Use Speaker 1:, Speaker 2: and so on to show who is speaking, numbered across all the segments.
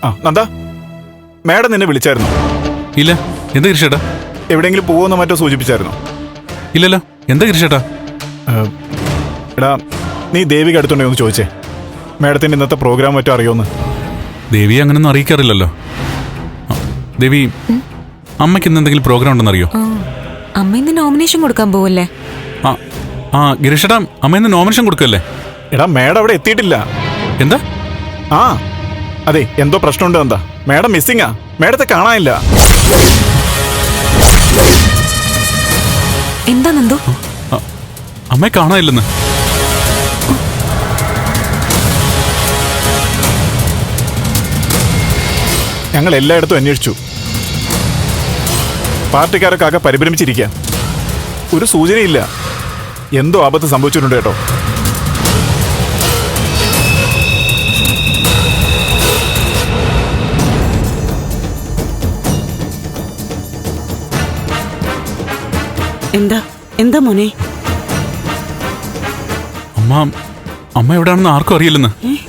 Speaker 1: ആ നന്ദ, മാഡം നിന്നെ വിളിച്ചായിരുന്നു?
Speaker 2: ഇല്ല. എന്താ ഗിരിഷേട്ടാ?
Speaker 1: എവിടെയെങ്കിലും പോകുമെന്നോ മറ്റോ സൂചിപ്പിച്ചായിരുന്നോ?
Speaker 2: ഇല്ലല്ലോ. എന്താ ഗിരിഷേട്ടാ?
Speaker 1: എടാ, നീ ദേവിക അടുത്തുണ്ടോ എന്ന് ചോദിച്ചേ. മാഡത്തിൻ്റെ ഇന്നത്തെ പ്രോഗ്രാം മറ്റോ അറിയോന്ന്?
Speaker 2: ദേവി അങ്ങനൊന്നും അറിയിക്കാറില്ലല്ലോ. ദേവി, അമ്മയ്ക്ക് ഇന്ന് എന്തെങ്കിലും പ്രോഗ്രാം ഉണ്ടെന്ന് അറിയോ?
Speaker 3: അമ്മ ഇന്ന് നോമിനേഷൻ കൊടുക്കാൻ പോവല്ലേ?
Speaker 2: ആ ഗിരിഷേട്ടാ, അമ്മ ഇന്ന് നോമിനേഷൻ കൊടുക്കല്ലേ?
Speaker 1: എടാ, മാഡം അവിടെ എത്തിയിട്ടില്ല.
Speaker 2: എന്താ?
Speaker 1: ആ അതെ, എന്തോ പ്രശ്നമുണ്ട് എന്താ. മാഡം മിസ്സിങ്ങാ. മാഡത്തെ കാണാനില്ല.
Speaker 3: എന്താ നന്ദു?
Speaker 2: അമ്മയെ കാണാനില്ലെന്ന്.
Speaker 1: ഞങ്ങൾ എല്ലായിടത്തും അന്വേഷിച്ചു. പാർട്ടിക്കാരൊക്കെ ആകെ പരിഭ്രമിച്ചിരിക്കുക. ഒരു സൂചനയില്ല. എന്തോ ആപത്ത് സംഭവിച്ചിട്ടുണ്ട് കേട്ടോ.
Speaker 4: എന്താ എന്താ മോനെ?
Speaker 2: അമ്മ എവിടെയാണെന്ന് ആർക്കും അറിയില്ലെന്ന്.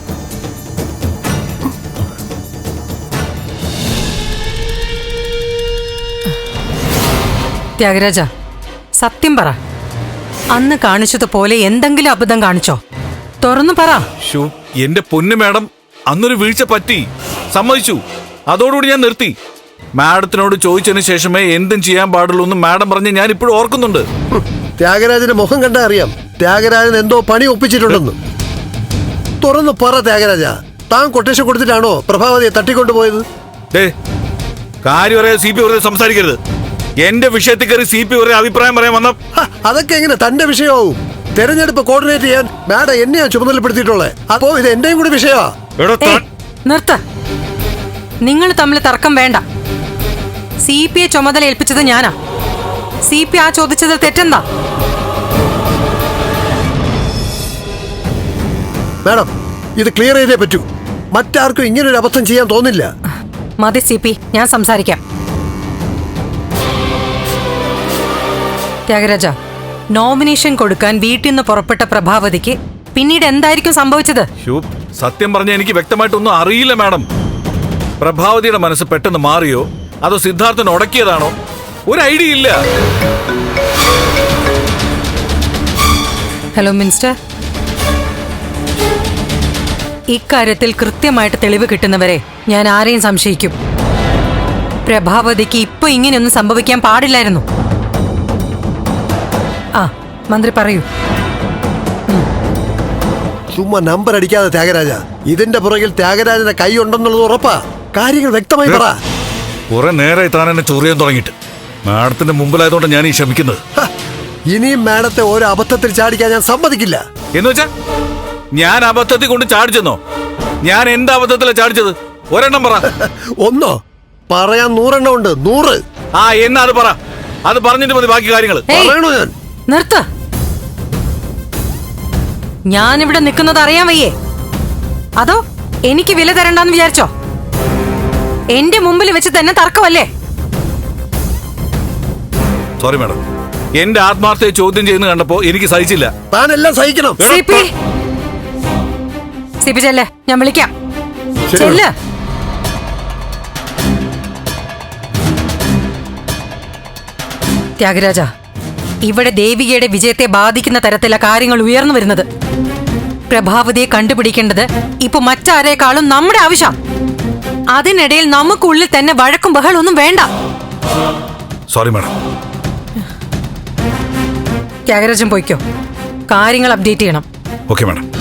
Speaker 5: ത്യാഗരാജ, സത്യം പറ. അന്ന് കാണിച്ചതുപോലെ എന്തെങ്കിലും അബദ്ധം കാണിച്ചോ? തുറന്നു പറ.
Speaker 6: എന്റെ പൊന്നു മാഡം, അന്നൊരു വീഴ്ച പറ്റി, സമ്മതിച്ചു. അതോടുകൂടി ഞാൻ നിർത്തി. മാഡത്തിനോട് ചോദിച്ചതിന് ശേഷമേ എന്തും ചെയ്യാൻ പാടുള്ളൂ എന്ന് മാഡം പറഞ്ഞ് ഞാൻ ഇപ്പോഴും ഓർക്കുന്നുണ്ട്.
Speaker 7: ത്യാഗരാജന്റെ മുഖം കണ്ടാ അറിയാം ത്യാഗരാജൻ എന്തോ പണി ഒപ്പിച്ചിട്ടുണ്ടെന്ന്. തുറന്നു പറ ത്യാഗരാജ, താൻ കൊട്ടേഷൻ കൊടുത്തിട്ടാണോ പ്രഭാവതിയെ തട്ടിക്കൊണ്ടുപോയത്?
Speaker 6: കാര്യം പറയാതെ CP വെറുതെ സംസാരിക്കരുത്. എന്റെ വിഷയത്തിൽ കയറി CP വെറുതെ അഭിപ്രായം പറയാൻ വന്ന
Speaker 7: അതൊക്കെ എങ്ങനെ തന്റെ വിഷയമാവും? തെരഞ്ഞെടുപ്പ് കോർഡിനേറ്റ് ചെയ്യാൻ മാഡം എന്നെയാ ചുമതലപ്പെടുത്തിയിട്ടുള്ളത്. അപ്പോ ഇത് എന്റെയും കൂടി വിഷയമാ.
Speaker 5: നിർത്ത. നിങ്ങൾ തമ്മിൽ തർക്കം വേണ്ട. CP ചുമതല ഏൽപ്പിച്ചത് ഞാനാ. CP ആ ചോദിച്ചത് തെറ്റെന്താ?
Speaker 7: മാഡം, ഇത് ക്ലിയർ ചെയ്തേ പറ്റൂ. മറ്റാർക്കും ഇങ്ങനൊരു അബദ്ധം ചെയ്യാൻ തോന്നില്ല.
Speaker 5: മതി CP, ഞാൻ സംസാരിക്കാം. ത്യാഗരാജ, നോമിനേഷൻ കൊടുക്കാൻ വീട്ടിൽ നിന്ന് പുറപ്പെട്ട പ്രഭാവതിക്ക് പിന്നീട് എന്തായിരിക്കും സംഭവിച്ചത്?
Speaker 6: സത്യം പറഞ്ഞ എനിക്ക് വ്യക്തമായിട്ടൊന്നും അറിയില്ല മാഡം. പ്രഭാവതിയുടെ മനസ്സ് പെട്ടെന്ന് മാറിയോ അതോ സിദ്ധാർത്ഥൻ ഉടക്കിയതാണോ? ഒരു ഐഡിയ ഇല്ല.
Speaker 5: ഹലോ മിനിസ്റ്റർ, ഇക്കാര്യത്തിൽ കൃത്യമായിട്ട് തെളിവ് കിട്ടുന്നവരെ ഞാൻ ആരെയും സംശയിക്കും. പ്രഭാവതിക്ക് ഇപ്പൊ ഇങ്ങനെയൊന്നും സംഭവിക്കാൻ പാടില്ലായിരുന്നു. ആ മന്ത്രി പറയൂ.
Speaker 7: ചുമ്മാ നമ്പർ അടിക്കാതെ ത്യാഗരാജ. ഇതിന്റെ പുറകിൽ ത്യാഗരാജന്റെ കൈ ഉണ്ടെന്നുള്ളത് ഉറപ്പാ. കാര്യങ്ങൾ വ്യക്തമായി പറ.
Speaker 6: കുറെ നേരെ താൻ എന്നെ ചൊറിയാൻ തുടങ്ങിയിട്ട്. മാഡത്തിന്റെ മുമ്പിലായതുകൊണ്ട് ഞാൻ ഈ ക്ഷമിക്കുന്നത്.
Speaker 7: ഇനിയും മാഡത്തെ ഓരോ അബദ്ധത്തിൽ ചാടിക്കാൻ ഞാൻ സമ്മതിക്കില്ല.
Speaker 6: എന്ന് വെച്ചാ ഞാൻ അബദ്ധത്തിൽ കൊണ്ട് ചാടിച്ചെന്നോ? ഞാൻ എന്താ അബദ്ധത്തിലാ ചാടിച്ചത്? ഒരെണ്ണം പറ.
Speaker 7: ഒന്നോ? പറയാൻ 100 എണ്ണം ഉണ്ട്. 100.
Speaker 6: എന്നാ അത് പറ. അത് പറഞ്ഞിട്ട് മതി ബാക്കി കാര്യങ്ങൾ.
Speaker 7: പറയണോ ഞാൻ?
Speaker 5: നിർത്ത. ഞാനിവിടെ നിൽക്കുന്നത് അറിയാൻ വയ്യേ? അതോ എനിക്ക് വില തരണ്ടെന്ന് വിചാരിച്ചോ? എന്റെ മുമ്പിൽ വെച്ച് തന്നെ തർക്കമല്ലേ?
Speaker 6: സോറി മാഡം, എന്റെ ആത്മാർത്ഥയെ ചോദ്യം ചെയ്യുന്ന കണ്ടപ്പോ എനിക്ക് സഹിച്ചില്ല.
Speaker 7: താനെല്ലാം സഹിക്കണം.
Speaker 5: സിപി ചെല്ലേ, ഞാൻ വിളിക്കാം.
Speaker 7: ശരി.
Speaker 5: ചെല്ല്. ത്യാഗരാജ, ഇവിടെ ദേവികയുടെ വിജയത്തെ ബാധിക്കുന്ന തരത്തിലുള്ള കാര്യങ്ങൾ ഉയർന്നു വരുന്നത്. പ്രഭാവതിയെ കണ്ടുപിടിക്കേണ്ടത് ഇപ്പൊ മറ്റാരേക്കാളും നമ്മുടെ ആവശ്യം. അതിനിടയിൽ നമുക്കുള്ളിൽ തന്നെ വഴക്കും ബഹളൊന്നും വേണ്ട.
Speaker 6: Sorry madam.
Speaker 5: ത്യാഗരാജൻ പോയിക്കോ. കാര്യങ്ങൾ അപ്ഡേറ്റ് ചെയ്യണം.
Speaker 6: Okay madam.